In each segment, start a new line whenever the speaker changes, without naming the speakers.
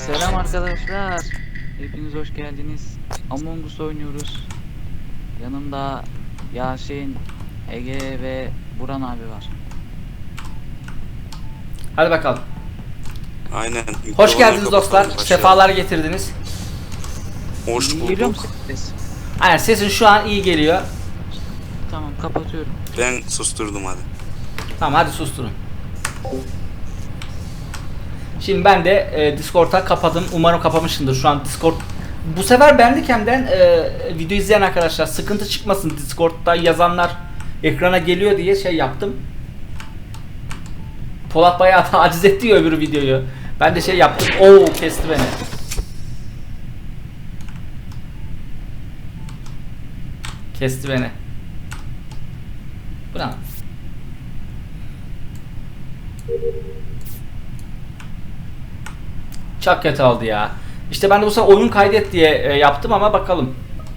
Selam arkadaşlar. Hepiniz hoş geldiniz. Among Us oynuyoruz. Yanımda Yasin, Ege ve Buran abi var.
Hadi bakalım.
Aynen.
Hoş geldiniz dostlar. Sefalar getirdiniz.
Hoş
Geliyor mu
bulduk.
ses?
Aynen, sesin şu an iyi geliyor.
Tamam, kapatıyorum.
Ben susturdum hadi.
Tamam, hadi susturun. Şimdi ben de Discord'a kapadım. Umarım kapamışımdır şu an Discord. Bu sefer Bandicam'den video izleyen arkadaşlar sıkıntı çıkmasın, Discord'da yazanlar ekrana geliyor diye şey yaptım. Polat bayağı taciz etti ya öbür videoyu. Ben de şey yaptım. Oo, kesti beni. Kesti beni. Bu ne? Çok kötü oldu ya. İşte ben de bu sefer oyun kaydet diye yaptım ama bakalım.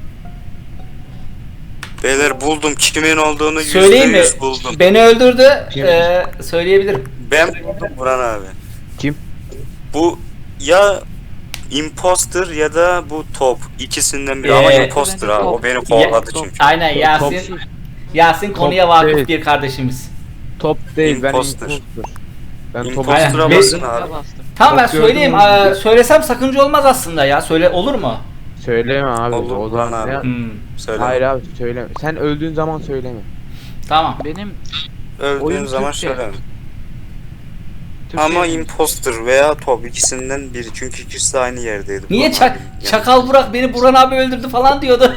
Beyler buldum. Kimin olduğunu
Söyleyeyim mi?
%100 buldum.
Beni öldürdü. Söyleyebilirim.
Ben buldum Buran abi.
Kim?
Bu ya imposter ya da bu top. İkisinden biri ama imposter
bence
abi.
top.
O beni kovaladı
Top.
çünkü.
Aynen, Yasin. Yasin konuya
Top
vakıf
değil.
bir kardeşimiz.
Top değil, ben
Imposter.
imposter. Ben top
Imposter'a
Aynen.
basın
Buna
abi.
bastım.
Tamam, ben
Top gördüm
söyleyeyim.
onu.
Söylesem sakınca olmaz aslında ya. Söyle, olur mu?
Söyleme abi.
Olur,
o zaman
Buran abi.
ne?
Söyle.
Hayır abi söyleme. Sen öldüğün zaman söyleme.
Tamam.
Benim
Öldüğün
Oyun
zaman
Türkçe.
söyle.
Türkçe
Ama imposter veya top ikisinden biri. Çünkü ikisi de aynı yerdeydi.
Niye
Buran abi.
Çakal Burak beni Buran abi öldürdü falan diyordu.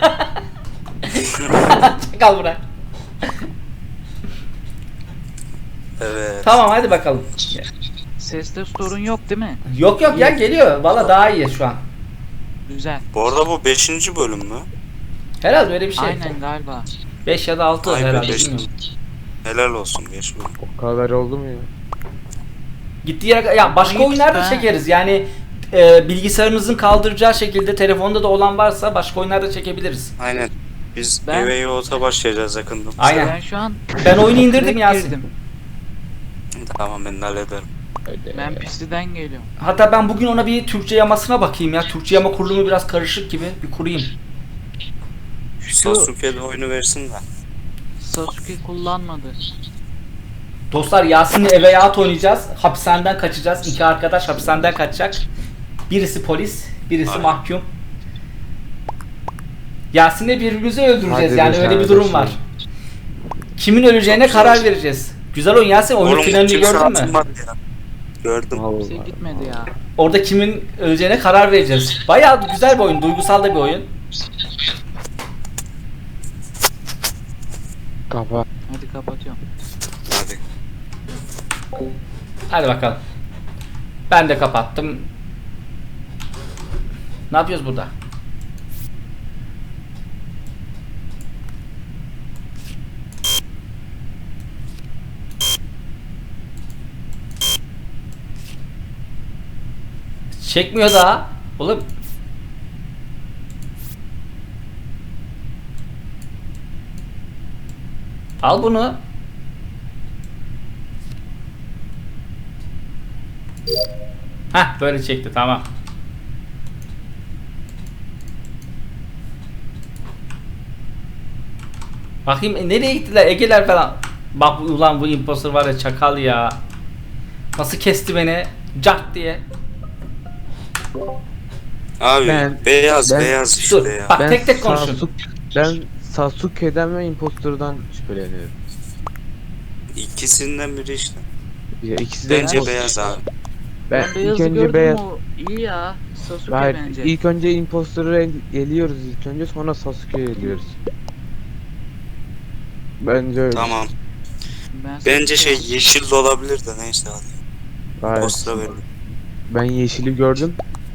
Çakal Burak.
Evet.
Tamam, hadi bakalım.
seste sorun yok değil mi?
Yok yok ya, geliyor. Valla daha iyi şu an.
Güzel.
Bu arada bu 5. bölüm mü?
Herhalde öyle bir şey.
Aynen galiba.
5 ya da 6
Ay be,
herhalde.
beş.
Bilmiyorum.
Helal olsun 5 bölüm.
O kadar oldu mu ya?
Gittiği yere ya başka
Ayıp
oyunlarda
be.
çekeriz. Yani bilgisayarınızın kaldıracağı şekilde telefonda da olan varsa başka oyunlarda çekebiliriz.
Aynen. Biz
Ben-
eve yolda başlayacağız yakında.
Aynen.
Ben şu an
Ben oyunu indirdim
direkt
Yasin.
girdim.
Tamam ben de hallederim.
Öyle.
Ben PC'den geliyorum.
Hatta ben bugün ona bir Türkçe yamasına bakayım ya. Türkçe yama kurulumu biraz karışık gibi. Bir kurayım.
Şu
Sasuke'de oyunu versin de.
Sasuke kullanmadı.
Dostlar, Yasin'le eve yat oynayacağız. Hapishaneden kaçacağız. İki arkadaş hapishaneden kaçacak. Birisi polis, birisi
Aynen.
mahkum. Yasin'le birbirimizi öldüreceğiz.
Hadi
Yani
be
öyle bir durum var.
kardeşim.
Kimin öleceğine
Çok güzel.
karar vereceğiz. Güzel oyun Yasin. Oyunun
Oğlum
finalini
kimse
gördün mü?
atılmadı ya. Gördüm.
Kimse
Allah.
gitmedi ya.
Orada kimin öleceğine karar vereceğiz. Bayağı güzel bir oyun. Duygusal da bir oyun.
Kapa.
Hadi kapatıyorum.
Hadi.
Hadi bakalım. Ben de kapattım. Ne yapıyoruz burada? Çekmiyor daha. Oğlum. Al bunu. Hah, böyle çekti, tamam. Bakayım nereye gittiler Ege'ler falan. Bak ulan, bu imposter var ya, çakal ya. Nasıl kesti beni? Cak diye.
Abi
Ben-
beyaz
ben-
beyaz işte
Dur,
ya.
bak tek tek konuşun.
Ben Sasuke'den ve imposter'dan şüpheleniyorum.
İkisinden biri işte.
Ya ikisi de
Bence
imposter.
beyaz abi.
Ben
Ben
ilk
beyazı
önce
gördüm,
beyaz.
o iyi ya. Sasuke
Hayır,
bence.
ilk önce imposter'ı eliyoruz ilk önce, sonra Sasuke'yi eliyoruz. Bence öyle.
Tamam.
Ben
Bence
Sasuke-
şey yeşil de olabilir de neyse hadi.
Hayır.
Posta verin.
Ben yeşili gördüm.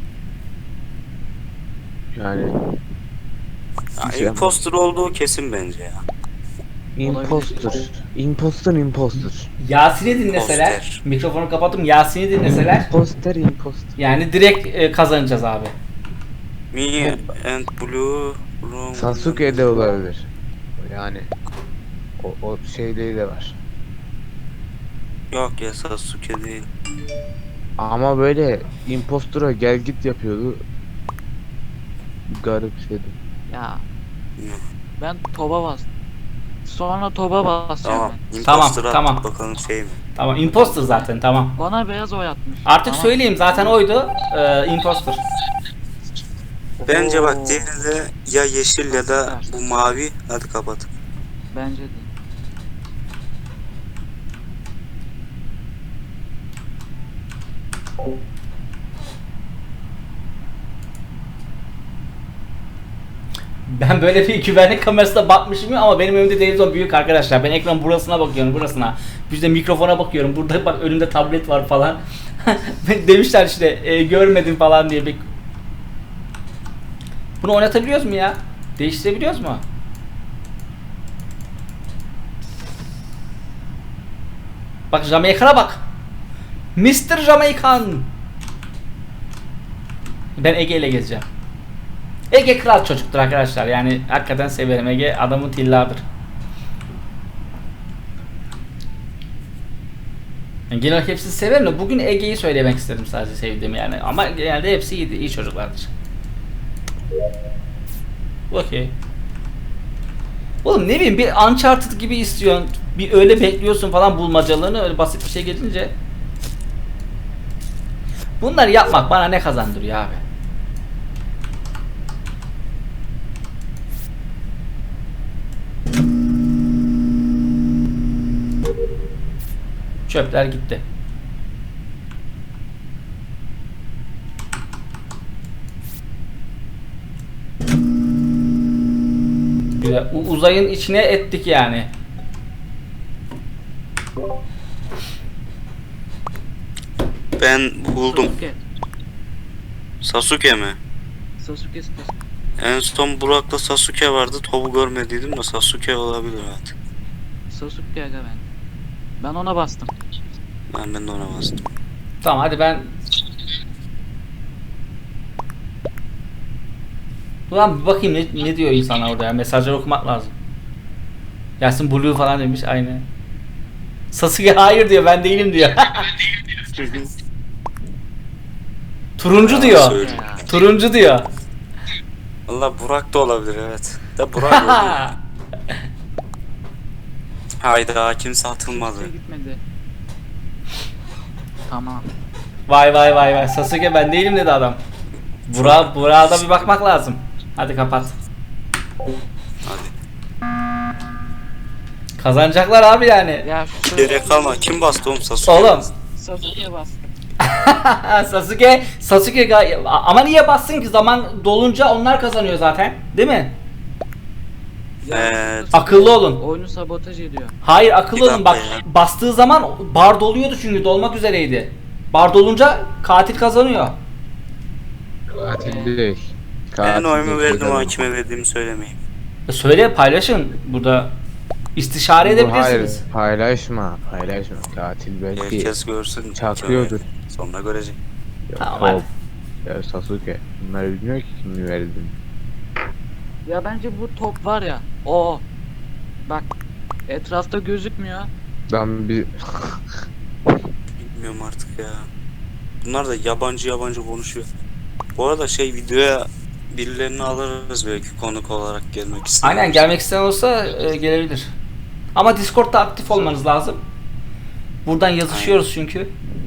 Yani
Ya,
Şey
imposter olduğu kesin bence ya.
imposter. Imposter.
Yasin'i dinleseler,
Poster.
mikrofonu kapattım, Yasin'i dinleseler,
Imposter.
yani direkt kazanacağız abi.
Me and blue room.
Sasuke de olabilir. Yani o şeyleri de var.
Yok ya Sasuke değil.
Ama böyle impostura gel git yapıyordu. Garip şeydi.
Ya ben toba bastım. Sonra toba basacağım
Tamam.
ben.
Tamam,
Imposter'a
tamam.
attık, bakalım şey mi?
Tamam, imposter zaten, tamam.
Bana beyaz oy atmış.
Artık
Tamam.
söyleyeyim, zaten oydu. Imposter.
Bence bak
Oo,
diğeri de ya yeşil ya da bu mavi. Hadi kapat.
Bence de.
Ben böyle bir güvenlik kamerasına bakmışım ama benim önümde televizyon büyük arkadaşlar. Ben ekran burasına bakıyorum, burasına. Bir de mikrofona bakıyorum. Burada bak önümde tablet var falan. Demişler işte görmedim falan diye. Bunu oynatabiliyoruz mu ya? Değiştirebiliyoruz mu? Bak Jamaikan'a bak. Mr. Jamaikan. Ben Ege ile gezeceğim. Ege kral çocuktur arkadaşlar. Yani hakikaten severim. Ege adamın tilladır. Yani genel olarak hepsini severim de bugün Ege'yi söylemek istedim sadece sevdiğimi yani. Ama genelde hepsi iyi, iyi çocuklardır. Okey. Oğlum ne bileyim bir Uncharted gibi istiyorsun. Bir öyle bekliyorsun falan bulmacalığını, öyle basit bir şey gelince. Bunları yapmak bana ne kazandırıyor abi? Çöpler gitti. Güzel. Uzayın içine ettik yani.
Ben buldum.
Sasuke.
Sasuke mi?
Sasuke.
En son Burak'la Sasuke vardı. Topu görmediydim de Sasuke olabilir artık.
Sasuke aga ben. Ben ona bastım.
Ben de ona bastım.
Tamam hadi ben... Ulan bir bakayım ne diyor insanlar orada ya. Mesajları okumak lazım. Yasin Blue falan demiş aynı. Sasuke hayır diyor, ben değilim diyor. Turuncu diyor.
Söyle.
Ya.
Turuncu diyor.
Valla Burak da olabilir, evet. Da Burak oldu. Hayda, kimse atılmadı.
Kimse gitmedi. Tamam.
Vay vay vay vay. Sasuke ben değilim dedi adam. Burak'a da bir bakmak lazım. Hadi kapat.
Hadi.
Kazanacaklar abi yani.
Ya şu
Gerek kalma. Kim bastı oğlum? Sasuke
Oğlum.
bastı.
Sasuke'ye bastım.
Sasuke ama niye bassın ki, zaman dolunca onlar kazanıyor zaten, değil mi?
Evet.
Akıllı olun.
Oyunu sabotaj ediyor.
Hayır akıllı
Bir
olun bak,
dakika ya.
bastığı zaman bar doluyordu çünkü dolmak üzereydi. Bar dolunca katil kazanıyor.
Katil değil.
Ben oyumu verdim
değil.
ama kime verdiğimi söylemeyeyim.
Söyle, paylaşın burada. İstişare edebilirsiniz.
Hayır, paylaşma. Katil belki
Herkes görsün.
çaklıyordur.
Sonra görecek.
Ya,
Tamam,
Top.
hadi.
Ya Sasuke. Bunlar bilmiyor ki kimi verdin.
Ya bence bu top var ya. O. Bak. Etrafta gözükmüyor.
Ben bir
Bilmiyorum artık ya. Bunlar da yabancı konuşuyor. Bu arada videoya birilerini alırız belki konuk olarak gelmek isteyen.
Aynen, gelmek isteyen olsa gelebilir. Ama Discord'da aktif olmanız lazım. Buradan yazışıyoruz çünkü.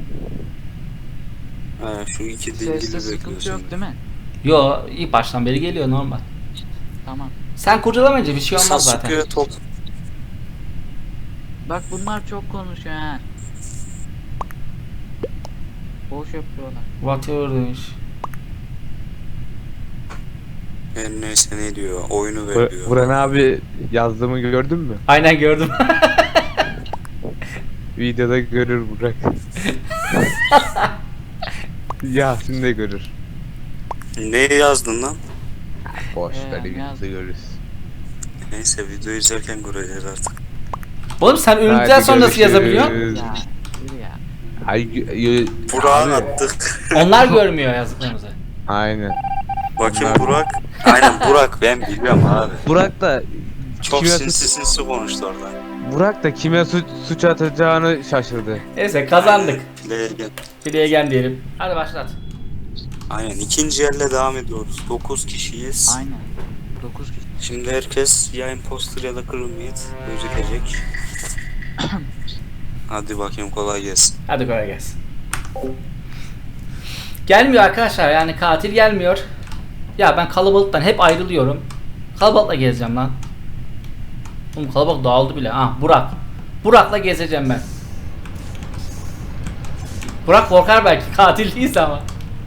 He, şu iki
Seste
dingili
sıkıntı
bekliyorsun.
yok değil mi?
Yo, ilk baştan beri geliyor normal.
Tamam.
Sen kurcalamayınca bir şey olmaz zaten.
Sasuke top.
Bak bunlar çok konuşuyor ha. Boş yapıyorlar.
Whatever demiş.
Her neyse ne diyor. Oyunu veriyor.
Buran abi yazdığımı gördün mü?
Aynen gördüm.
Videoda görür Burak. Yasin de görür.
Ne yazdın lan?
Boş ver,
yazdım.
videoda görürüz.
Neyse video izlerken göreceğiz artık.
Oğlum sen ünlükten sonra nasıl yazabiliyorsun?
Ya. Yürü ya.
Ay,
Burak'ı
abi,
attık.
Onlar görmüyor yazdıklarımızı.
Aynen.
Bakayım
Onlar-
Burak. Aynen Burak, ben biliyorum abi.
Burak da
Çok
kime
sinsi konuştu orada.
Burak da kime suç atacağını şaşırdı.
Neyse kazandık.
Legen.
Bilegen diyelim. Hadi başlat.
Aynen ikinci yerle devam ediyoruz. 9 kişiyiz.
Aynen. 9 kişi.
Şimdi herkes ya imposter ya da crewmate gözükecek. Hadi bakayım kolay gelsin.
Hadi kolay gelsin. Gelmiyor arkadaşlar, yani katil gelmiyor. Ya ben kalabalıktan hep ayrılıyorum. Kalabalıkla gezeceğim lan. Oğlum kalabalık dağıldı bile. Ah Burak. Burak'la gezeceğim ben. Burak korkar belki, katil değilse ama.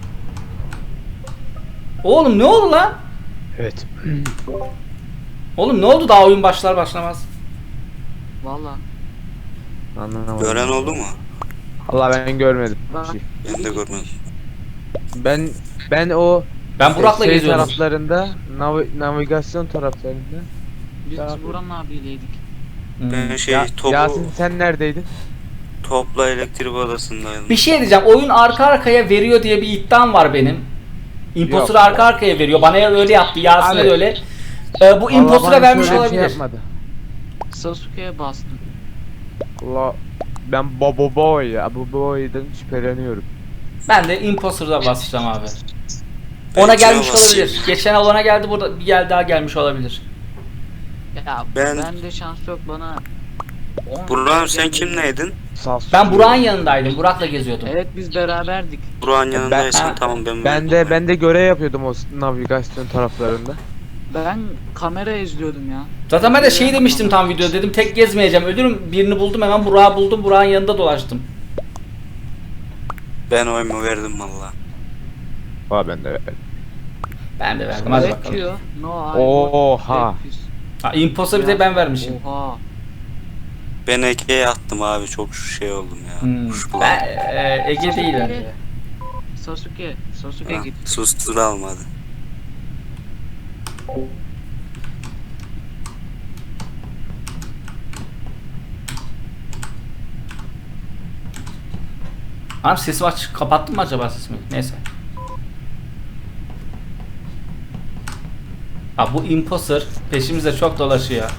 Oğlum ne oldu lan?
Evet.
Oğlum ne oldu, daha oyun başlar başlamaz.
Valla.
Anlamadım.
Gören oldu mu?
Allah ben görmedim.
Ben-
Bir şey.
Ben de görmedim.
Ben o
Ben Burak'la
şey
geziyorum.
taraflarında navigasyon taraflarında.
Biz
Tamam.
Buran abiyleydik.
Hmm.
Ben
Yasin sen neredeydin?
topla elektrik odasındaydım.
Bir şey diyeceğim. Oyun arka arkaya veriyor diye bir iddiam var benim. Imposter
Yok.
arka arkaya veriyor. Bana öyle yaptı. Yasin'e
Abi.
de öyle. Bu
Allah
imposter'a
bana
vermiş
şöyle bir şey
olabilir.
yapmadı.
Sasuke'ye bastım.
Allah ben bu boy'dan şüpheleniyorum.
Ben de imposter'da basacağım abi.
Ben
Ona
kime
gelmiş
basayım
olabilir.
ya?
Geçen olana geldi, burada bir gel daha gelmiş olabilir.
Ya
Ben-
bende şans yok bana. 10
Burak'ım sen
geldi.
kimleydin?
Ben Burak'ın yanındaydım. Burak'la geziyordum.
Evet biz beraberdik.
Burak'ın yanındaysan
Ha.
tamam ben
Ben de görev yapıyordum o navigasyon taraflarında.
Ben kamera izliyordum ya.
Zaten ben de şey demiştim tam videoda, dedim tek gezmeyeceğim. Ölürüm, birini buldum, hemen Burak'ı buldum. Burak'ın yanında dolaştım.
Ben oyumu verdim valla.
Ben de.
Ben de verdim, hadi
Black
bakalım.
diyor. No, I
Oha.
Black Fist.
Ha, imposter bir de ben vermişim.
Oha.
Ben Ege'ye attım abi çok şey oldum ya.
Hmm.
Kuşkulandım.
Ben Ege değil bence.
Sasuke
Ha,
git.
sustur almadı.
Abi sesimi aç, kapattın mı acaba sesimi? Neyse. Ha bu imposter peşimizde çok dolaşıyor.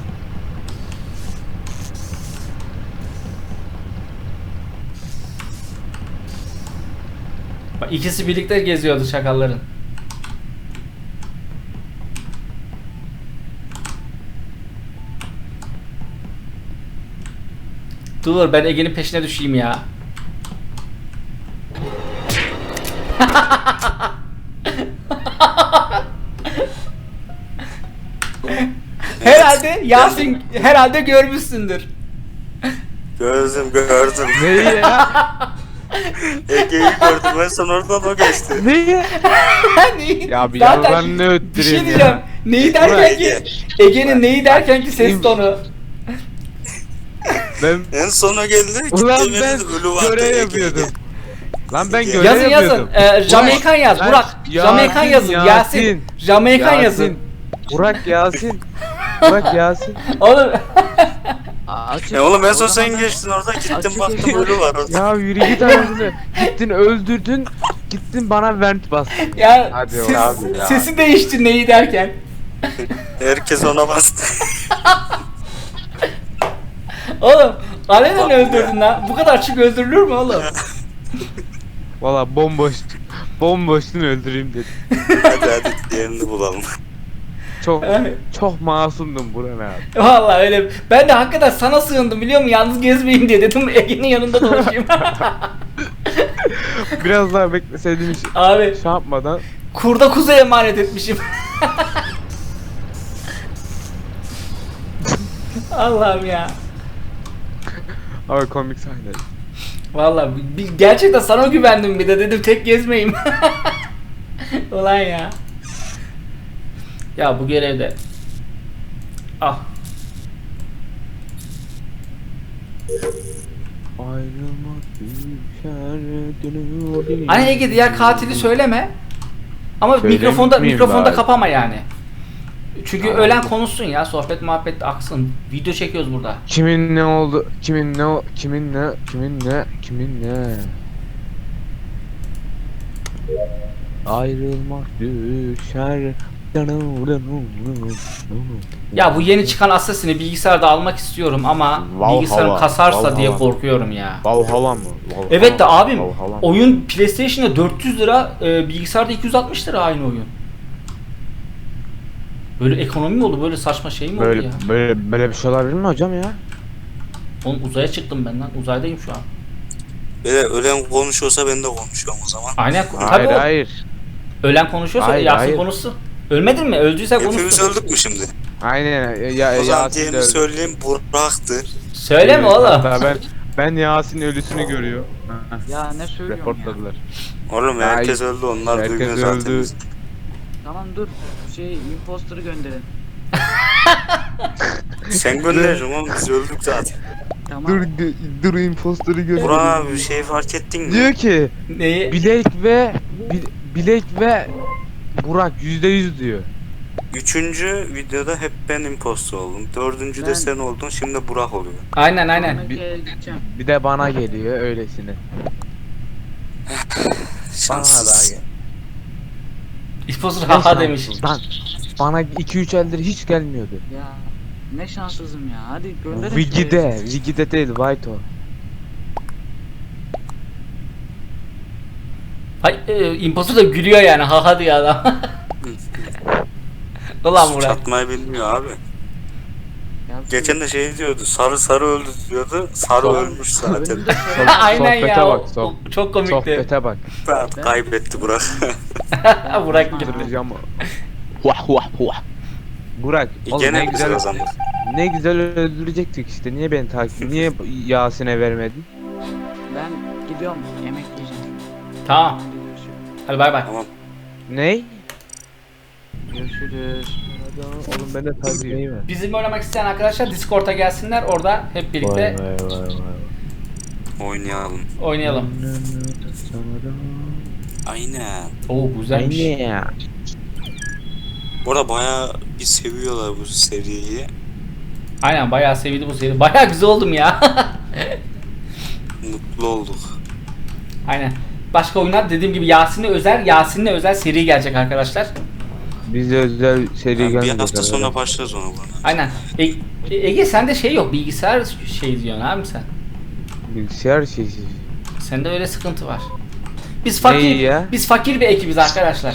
Bak ikisi birlikte geziyordu şakalların. Dur ben Ege'nin peşine düşeyim ya. Herhalde Yasin, herhalde görmüşsündür.
Gördüm.
Neyi ya?
Ege'yi gördüm ben son oradan o geçti.
Neyi?
Neyi?
Ya bir
Zaten
yalanını
bir şey
öttüreyim
diyeceğim.
ya.
Neyi derken ki
Ege.
Ege'nin neyi derken ki ses tonu.
Ben
En sona geldi.
ulan
gitti,
ben
verdi, ölü vardı
görev
Ege.
yapıyordum. Lan ben
Yazın,
görev
Yazın
yapıyordum.
Jamaikan yaz
Lan,
Burak. Jamaikan yazın Yasin. Jamaikan yazın.
Burak Yasin. Burak Yasin.
Oğlum
Açık.
Oğlum en son
O zaman
sen
ben-
geçtin orada gittim
Açık
baktım
ekran.
ölü var orada.
Ya yürü git anasını. Gittin öldürdün. Gittin bana vent bastın.
ya
Hadi
ses-
oğlum
ya.
sesi değişti neyi derken.
Herkes ona bastı.
Oğlum alenen öldürdün lan. Bu kadar açık öldürülür mü oğlum?
Valla bomboştun öldüreyim dedim.
hadi diğerini bulalım.
Çok masumdum Burak abi.
Vallahi öyle. Ben de hakikaten sana sığındım biliyor musun? Yalnız gezmeyeyim diye dedim Ege'nin yanında dolaşayım.
Biraz daha bekleseydim hiç
Abi
şey yapmadan.
kurda kuza emanet etmişim. Allah'ım ya.
Abi komik sahne.
Vallahi gerçekten sana güvendim, bir de dedim tek gezmeyeyim. Ulan ya. Ya bu görevde. Ah.
Ayrılmak düşer dönüyor.
Hani Ege diğer katili söyleme. Ama
Söylemiş
mikrofonda
miyim
mikrofonda
bari?
kapama yani. Çünkü
Tamam.
ölen konuşsun ya, sohbet muhabbet aksın. Video çekiyoruz burada.
Kimin ne oldu? Kimin ne? Ayrılmak düşer
Ya bu yeni çıkan Assassin'i bilgisayarda almak istiyorum ama
Valhalla,
bilgisayarım kasarsa diye
Valhalla.
korkuyorum ya.
Valhalla mı? Valhalla
Evet de
mı?
abim
Valhalla mı?
oyun PlayStation'da 400 lira, bilgisayarda 260 lira aynı oyun. Böyle ekonomi mi oldu? Böyle saçma şey mi oldu
Böyle
ya?
böyle bir şey olabilir mi hocam ya?
Oğlum uzaya çıktım ben lan. Uzaydayım şu an.
Böyle ölen konuşuyorsa ben de konuşuyorum o zaman.
Aynen.
Hayır
Tabii o
hayır.
ölen konuşuyorsa
Hayır,
Yasin
hayır.
konuşsun. Ölmedin mi? Öldüyse
Hepimiz
konuşsun.
öldük mü şimdi?
Aynen ya
O zaman
Yasin de
diğerini
öldü.
söyleyeyim, Burak'tı.
Söyleme
Evet,
oğlum.
hatta ben Yasin ölüsünü görüyor.
Ya ne söylüyorsun ya?
Reportladılar.
Oğlum
Ya,
herkes öldü, onlar
herkes
duymuyor zaten
öldü.
bizi.
Tamam dur. Imposter'ı gönderin.
Sen göndereceksin oğlum, biz öldük zaten.
Tamam.
Dur imposter'ı gör.
Burak abi bir şey fark ettin mi?
Diyor ki
Neyi?
Bilek ve Burak %100 diyor.
Üçüncü videoda hep ben imposter oldum. Dördüncü
Ben-
de sen oldun, şimdi Burak oluyor.
Aynen aynen.
Sonrakiye gideceğim.
Bir de bana geliyor öylesine. Bana da
Şanssız.
gel.
İspozur
Ne
haha demiş.
şanssız lan. Bana 2-3 eldir hiç gelmiyordu.
Ya ne şanssızım ya. Hadi gönderin.
Wigi'de değil White o.
Hay, imposter da gülüyor yani haha diyor adam. Ulan Murat.
Çatmayı bilmiyor abi.
Ya,
Geçen de şey diyordu, sarı öldü diyordu. Sarı
Tamam.
ölmüş zaten.
önümde söyle-
Aynen
Sohbete
ya.
bak,
o çok komikti.
Sohbete bak.
Kaybetti Burak.
Burak gitti.
Duracağım. Vah vah vah. Burak, oğlum
Gene
ne
güzel
güzel
o zaman.
ne güzel öldürecektik işte. Niye beni niye Yasin'e vermedin?
Ben gidiyorum. Yemek yiyeceğim.
Tamam.
Hadi görüşürüz.
Hadi bay bay.
Tamam.
Ney?
Görüşürüz.
Oğlum ben de tabii ver.
Bizim oynamak isteyen arkadaşlar Discord'a gelsinler. Orada hep birlikte
Oynayalım.
oynayalım.
Aynen.
Oo güzelmiş.
Aynen.
Bu arada bayağı bir seviyorlar bu seriyi.
Aynen bayağı sevildi bu seri. Bayağı güzel oldum ya.
Mutlu olduk.
Aynen. Başka oyunlar dediğim gibi Yasin'le özel seri gelecek arkadaşlar.
Biz de özel seri
Yani bir
gelmeyecek.
hafta sonra
arkadaşlar.
başlarız ona bana.
Aynen. Ege sende şey yok. Bilgisayar şey diyorsun abi sen.
Bilgisayar şeysi.
Sende öyle sıkıntı var. Biz
Neyi
fakir
ya?
biz fakir bir ekibiz arkadaşlar.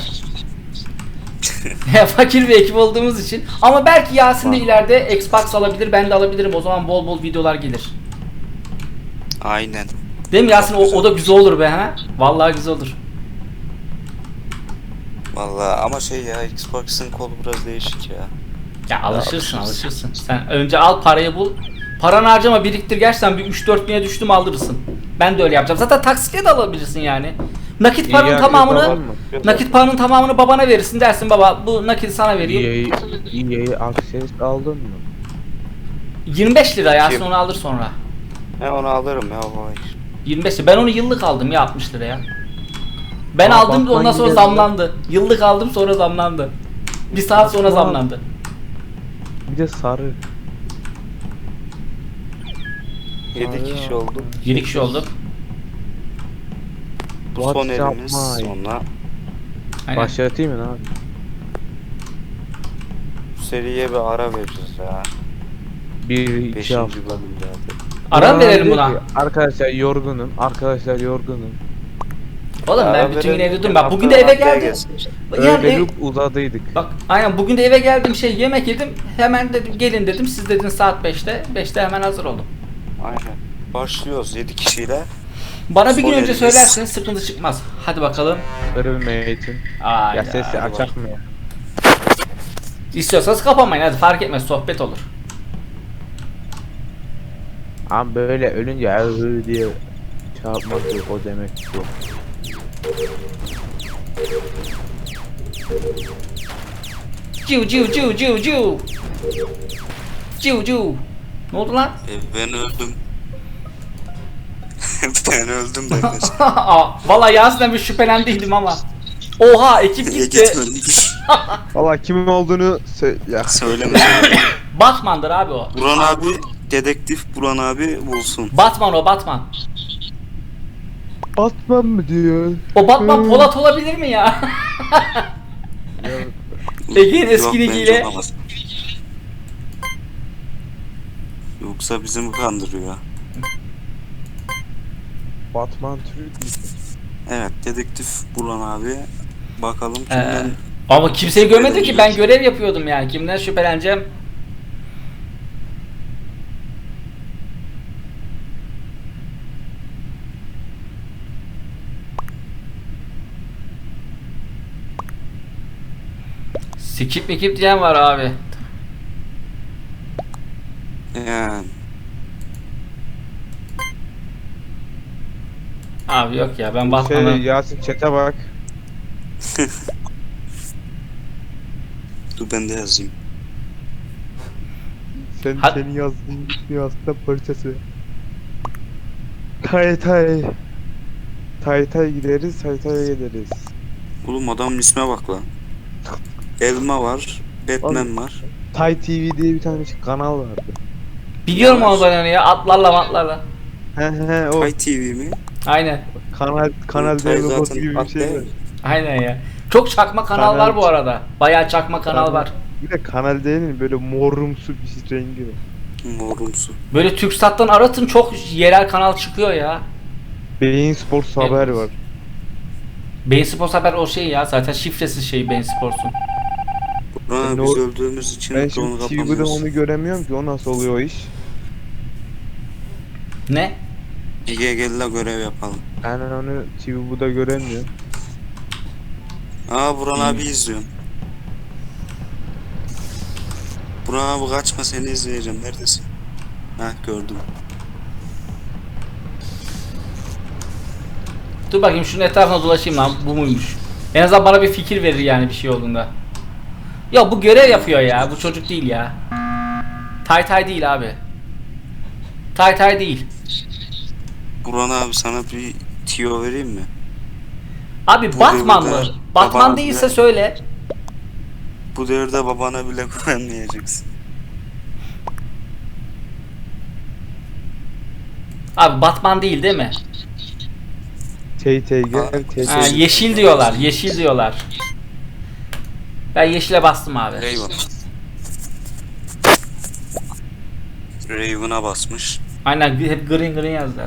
Fakir bir ekip olduğumuz için. Ama belki Yasin de ileride Xbox alabilir, ben de alabilirim. O zaman bol bol videolar gelir.
Aynen.
Değil mi Yasin? O da güzel olur be ha. Vallahi güzel olur.
Vallahi ama şey ya, Xbox'ın kolu biraz değişik ya.
Ya alışırsın. Sen önce al parayı bul. Paranı harcama, biriktir, gerçekten bir 3-4 bine düştüm aldırırsın. Ben de öyle yapacağım. Zaten taksitle de alabilirsin yani. Nakit paranın tamamını babana verirsin, dersin baba bu nakit sana vereyim.
EA Access aldın mı?
25 lira Yasin,
Kim?
onu alır sonra.
He onu alırım ya, hayır.
25 lira. Ben onu yıllık aldım ya 60 liraya. Ben
Aa,
aldım
Batman
ondan sonra
gibi
zamlandı. Yıllık aldım sonra zamlandı. Bir saat sonra
Batman.
zamlandı.
Bir de sarı.
7 kişi oldu.
7 kişi olduk.
Bu son
WhatsApp
elimiz
my.
sonra.
Aynen.
Başlatayım mı abi?
Bu seriye bir ara vereceğiz ya.
1-2
5.
hafta.
bölüm zaten.
Ara mı verelim
diyor
buna?
ki, Arkadaşlar yorgunum.
Oğlum ben
Ara
bütün gün
verelim,
evde durdum. Bak bugün de
haftaya
eve geldim.
gelsin işte.
Yani
Öyle uzadıydık.
bak aynen bugün de eve geldim, şey yemek yedim. Hemen dedim gelin dedim. Siz dediniz saat 5'te. 5'te hemen hazır oldum.
Aynen. Başlıyoruz 7 kişiyle.
Bana bir gün
Son
önce
elimiz.
söylerseniz sıkıntı çıkmaz. Hadi bakalım.
Ölmeyin.
Aynen.
Ya sesi açak mı ya?
İstiyorsanız kapamayın, hadi fark etmez, sohbet olur.
Ama böyle ölünce "Ahı" diye çarpmak yok, o demek yok.
Ciu ciu ciu ciu ciu. Ciu ciu. Ne oldu lan?
Ben öldüm. Ben öldüm ben de.
Aa, vallahi Yasin'den bir şüphelendiydim ama. Oha ekip
Niye
gitti.
gitmedin?
Valla kimin olduğunu ya.
Söyleme.
Batman'dır abi o.
Buran abi, dedektif Buran abi bulsun.
Batman o, Batman.
Batman mı diyor?
O Batman Polat olabilir mi ya? Ege'nin eski
Yok, bence
ligiyle.
olamaz. Yoksa bizi mi kandırıyor?
Batman Türk mü?
Evet, dedektif Burhan abi. Bakalım kimden
Ama kimseyi görmedi ki, ben görev yapıyordum yani. Kimden şüpheleneceğim? Skip mikip diyen var abi.
yani.
Abi yok ya, ben Batman'ı...
Yasin chat'e bak.
Dur ben de yazayım.
Seni yazdığın aslında parçası. Tay gideriz, Taytay'a gideriz.
Oğlum adamın isme bak lan. Elma var, Batman var.
Tay TV diye bir tane kanal vardı.
Biliyorum
Yavaş.
onu ben, onu ya, atlarla matlarla.
He o
Pay TV mi?
Aynen.
kanal
Tay
logosu
zaten
gibi bir
at
şey
değil
var.
mi?
Aynen ya. Çok çakma kanal var bu arada. Bayağı çakma kanal var.
Bir de kanal değil mi? Böyle morumsu bir rengi var.
Morumsu.
Böyle TürkSat'tan aratın, çok yerel kanal çıkıyor ya.
Beyin Sports haber var.
Beyin Sports haber o şey ya, zaten şifresiz şey Beyin Sports'un.
Burhan
Ben
biz
o-
öldüğümüz için
Ben
onu
şimdi TV'de
kapamıyoruz.
onu göremiyorum ki, o nasıl oluyor o iş?
Ne?
Ege gel la görev yapalım.
Ben onu TV'de göremiyorum.
Aa Burhan abi izliyorum. Burhan abi kaçma, seni izleyeceğim. Neredesin? Heh, gördüm.
Dur bakayım şunun etrafına dolaşayım lan, bu muymuş? En azından bana bir fikir verir yani bir şey olduğunda. Ya bu görev yapıyor ya, bu çocuk değil ya. Tay değil abi. Tay değil.
Burhan abi sana bir tiyo vereyim mi?
Abi
Bu
Batman
devirde
mı? Batman
babana
değilse
bile-
söyle.
Bu devirde babana bile güvenmeyeceksin.
Abi Batman değil mi?
Tay gel.
Ha, yeşil diyorlar, yeşil diyorlar. Ben yeşile bastım abi.
Raven. Raven'a basmış.
Aynen, hep green yazdılar.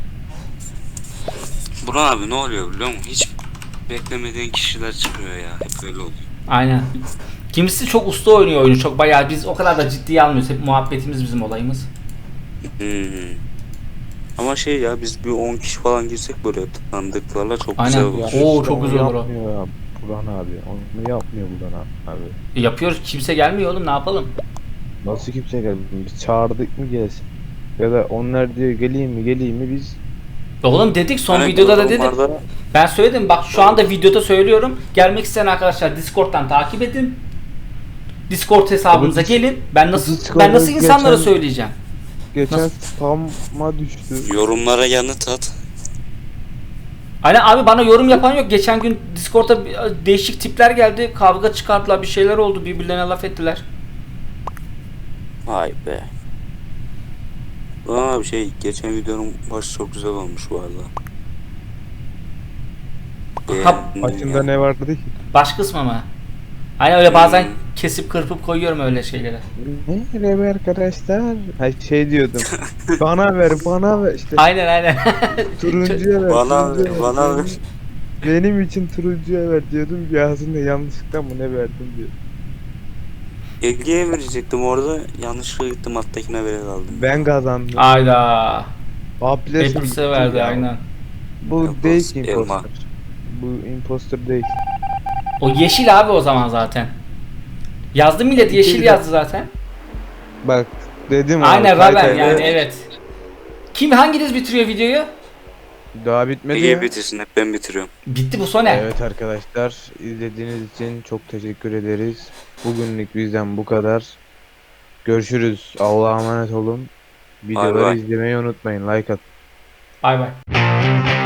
Burhan abi ne oluyor biliyor musun? Hiç beklemediğin kişiler çıkıyor ya. Hep öyle oluyor.
Aynen. Kimisi çok usta oynuyor oyunu, çok bayağı, biz o kadar da ciddiye almıyoruz. Hep muhabbetimiz bizim olayımız.
Hmm. Ama şey ya, biz bir 10 kişi falan girsek böyle tanıdıklarla çok
Aynen.
güzel olur.
Oo, çok güzel olur o.
Yapmıyor ya Burhan abi. Onu yapmıyor Burhan abi.
Yapıyoruz, kimse gelmiyor oğlum, ne yapalım?
Nasıl kimse gelmedi? Biz çağırdık mı gelsin? Ya da onlar diyor geleyim mi biz.
Oğlum dedik, son
Hani
videoda da dedim.
yorumlarda-
Ben söyledim, bak şu anda videoda söylüyorum. Gelmek isteyen arkadaşlar Discord'dan takip edin. Discord hesabımıza
Abi,
gelin. Ben nasıl
Discord'da
insanlara
geçen-
söyleyeceğim?
Geçen
Nasıl?
spam'a düştü.
Yorumlara yanıt at.
Aynen abi, bana yorum yapan yok. Geçen gün Discord'da değişik tipler geldi. Kavga çıkarttılar, bir şeyler oldu. Birbirlerine laf ettiler.
Vay be. Aa bir şey, geçen videonun başı çok güzel olmuş bu arada. Beğendim
Başında
ya.
ne vardı ki?
Baş kısmı mı? Aynen öyle, bazen
Hmm.
kesip kırpıp koyuyorum öyle şeylere.
Merhaba arkadaşlar. Ha şey diyordum. bana ver işte.
Aynen.
Turuncuya ver.
Bana
turuncuya
ver, bana ver.
Benim için turuncuya ver diyordum. Yazında yanlışlıkla mı ne verdim diyor.
Ege'ye verecektim orada. Yanlışlıkla gittim alttakine vere kaldım.
Ben kazandım.
Ayda.
Apples'e
Hepsi verdi
ya.
aynen.
Bu
Apples,
değil ki
elma.
imposter. Bu imposter değil.
O yeşil abi o zaman zaten. Yazdı millet, yeşil
İki-
yazdı zaten.
Bak dedim
Aynen
abi,
Raven
Taytay
yani,
ve-
evet. Kim, hanginiz bitiriyor videoyu?
Daha bitmedi
Ege
ya.
bitirsin, hep ben bitiriyorum.
Bitti bu sone.
Evet arkadaşlar, izlediğiniz için çok teşekkür ederiz. Bugünlük bizden bu kadar. Görüşürüz. Allah'a emanet olun. Videoları
bay.
izlemeyi unutmayın. Like atın.
Bay bay.